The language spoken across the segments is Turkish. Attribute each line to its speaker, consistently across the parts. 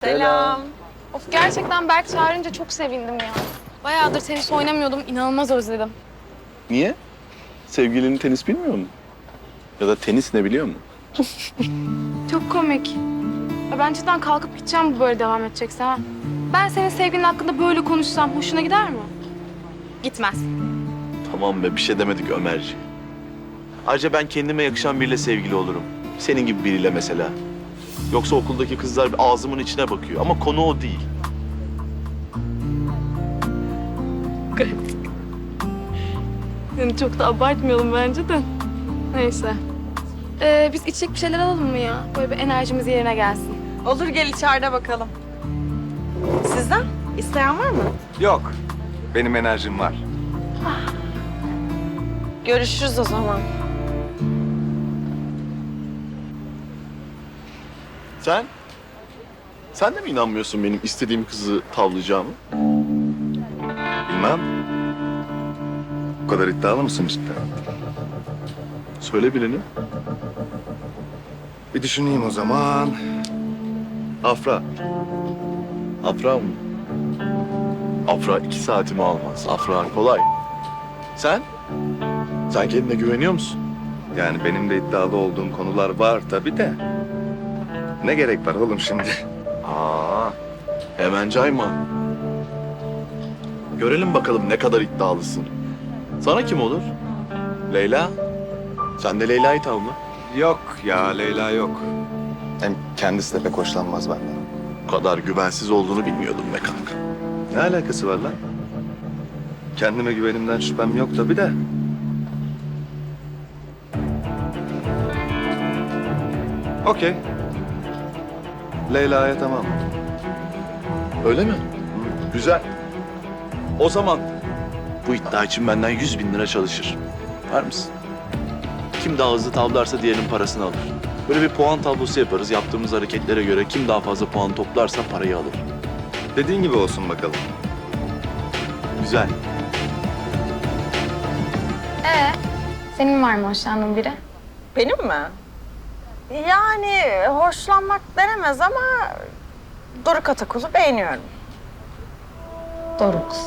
Speaker 1: Selam.
Speaker 2: Of gerçekten Berk çağırınca çok sevindim ya. Bayağıdır tenis oynamıyordum, inanılmaz özledim.
Speaker 1: Niye? Sevgilinin tenis bilmiyor mu? Ya da tenis ne biliyor mu?
Speaker 2: Çok komik. Ya ben cidden kalkıp gideceğim bu böyle devam edecekse ha. Ben senin sevgilin hakkında böyle konuşsam hoşuna gider mi? Gitmez.
Speaker 1: Tamam be, bir şey demedik Ömerci. Ayrıca ben kendime yakışan biriyle sevgili olurum. Senin gibi biriyle mesela. Yoksa okuldaki kızlar ağzımın içine bakıyor ama konu o değil.
Speaker 2: Yani çok da abartmayalım bence de. Neyse. Biz içecek bir şeyler alalım mı ya? Böyle bir enerjimiz yerine gelsin.
Speaker 3: Olur gel içeride bakalım. Sizden? İsteyen var mı?
Speaker 4: Yok. Benim enerjim var.
Speaker 3: Görüşürüz o zaman.
Speaker 1: Sen? Sen de mi inanmıyorsun benim istediğim kızı tavlayacağımı?
Speaker 4: Bilmem. Bu kadar iddialı mısın cidden?
Speaker 1: Söyle birini.
Speaker 4: Bir düşüneyim o zaman.
Speaker 1: Afra. Afra mı? Afra 2 saatimi almaz. Afra kolay. Sen? Sen kendine güveniyor musun?
Speaker 4: Yani benim de iddialı olduğum konular var tabii de. Ne gerek var oğlum şimdi?
Speaker 1: Aa, hemen cayma. Görelim bakalım ne kadar iddialısın. Sana kim olur? Leyla? Sen de Leyla'yı tavla.
Speaker 4: Yok ya Leyla yok. Hem kendisi de pek hoşlanmaz benden.
Speaker 1: Bu kadar güvensiz olduğunu bilmiyordum be kanka.
Speaker 4: Ne alakası var lan? Kendime güvenimden şüphem yok tabii de. Okey. Leyla'ya tamam.
Speaker 1: Öyle mi? Güzel. O zaman bu iddia için benden 100.000 lira çalışır. Var mısın? Kim daha hızlı tavlarsa diğerinin parasını alır. Böyle bir puan tablosu yaparız. Yaptığımız hareketlere göre kim daha fazla puan toplarsa parayı alır.
Speaker 4: Dediğin gibi olsun bakalım.
Speaker 1: Güzel.
Speaker 2: Senin var mı hoşlandığın biri?
Speaker 3: Benim mi? Yani hoşlanmak denemez ama Doruk Atakul'u beğeniyorum.
Speaker 2: Doruk.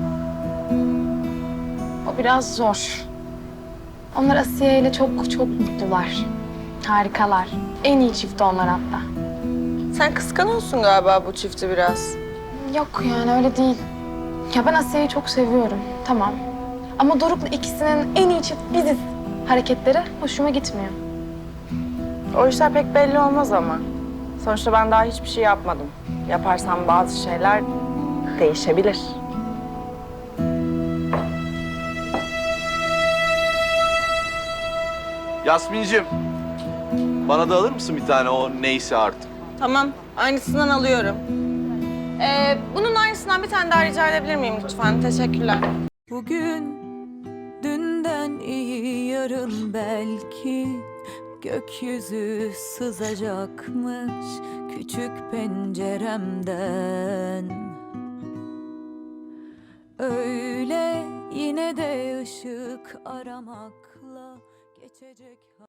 Speaker 2: O biraz zor. Onlar Asiye ile çok mutlular. Harikalar. En iyi çift onlar hatta.
Speaker 3: Sen kıskanıyorsun galiba bu çifti biraz.
Speaker 2: Yok yani öyle değil. Ya ben Asiye'yi çok seviyorum. Tamam. Ama Doruk'la ikisinin en iyi çift biziz. Hareketleri hoşuma gitmiyor.
Speaker 3: O işler pek belli olmaz ama. Sonuçta ben daha hiçbir şey yapmadım. Yaparsam bazı şeyler değişebilir.
Speaker 1: Yasmin'cim, bana da alır mısın bir tane o neyse artık?
Speaker 3: Tamam, aynısından alıyorum. Bunun aynısından bir tane daha rica edebilir miyim lütfen? Teşekkürler.
Speaker 5: Bugün dünden iyi yarın belki gökyüzü sızacakmış küçük penceremden. Öyle yine de ışık aramakla geçecek.